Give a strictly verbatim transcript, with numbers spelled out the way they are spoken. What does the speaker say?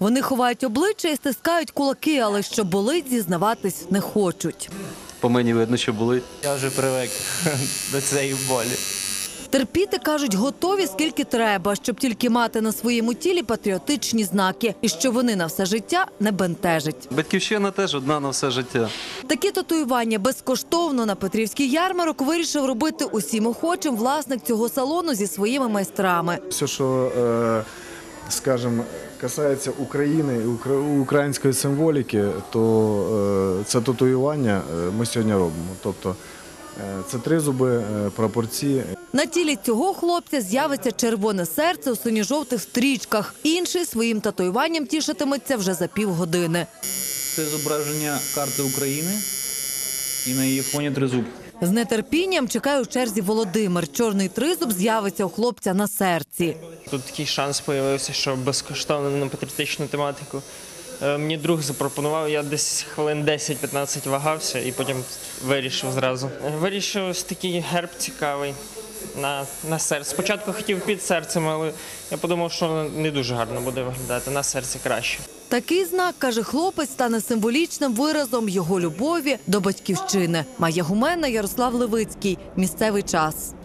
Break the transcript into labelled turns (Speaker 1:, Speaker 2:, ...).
Speaker 1: Вони ховають обличчя і стискають кулаки, але що болить, зізнаватись не хочуть.
Speaker 2: По мені видно, що болить.
Speaker 3: Я вже привик до цієї болі.
Speaker 1: Терпіти, кажуть, готові скільки треба, щоб тільки мати на своєму тілі патріотичні знаки. І що вони на все життя не бентежить.
Speaker 2: Батьківщина теж одна на все життя.
Speaker 1: Такі татуювання безкоштовно на Петрівський ярмарок вирішив робити усім охочим власник цього салону зі своїми майстрами.
Speaker 4: Все, що, скажімо, касається України і української символіки, то це татуювання ми сьогодні робимо. Тобто це тризуби, прапорці.
Speaker 1: На тілі цього хлопця з'явиться червоне серце у синьо-жовтих стрічках. Інший своїм татуюванням тішитиметься вже за півгодини.
Speaker 3: Це зображення карти України і на її фоні тризуб.
Speaker 1: З нетерпінням чекає у черзі Володимир. Чорний тризуб з'явиться у хлопця на серці.
Speaker 5: Тут такий шанс з'явився, що безкоштовно на патріотичну тематику. Мені друг запропонував, я десь хвилин десять-п'ятнадцять вагався і потім вирішив зразу. Вирішив ось такий герб цікавий на, на серці. Спочатку хотів під серцем, але я подумав, що не дуже гарно буде виглядати, на серці краще.
Speaker 1: Такий знак, каже хлопець, стане символічним виразом його любові до батьківщини. Майя Гумена, Ярослав Левицький. Місцевий час.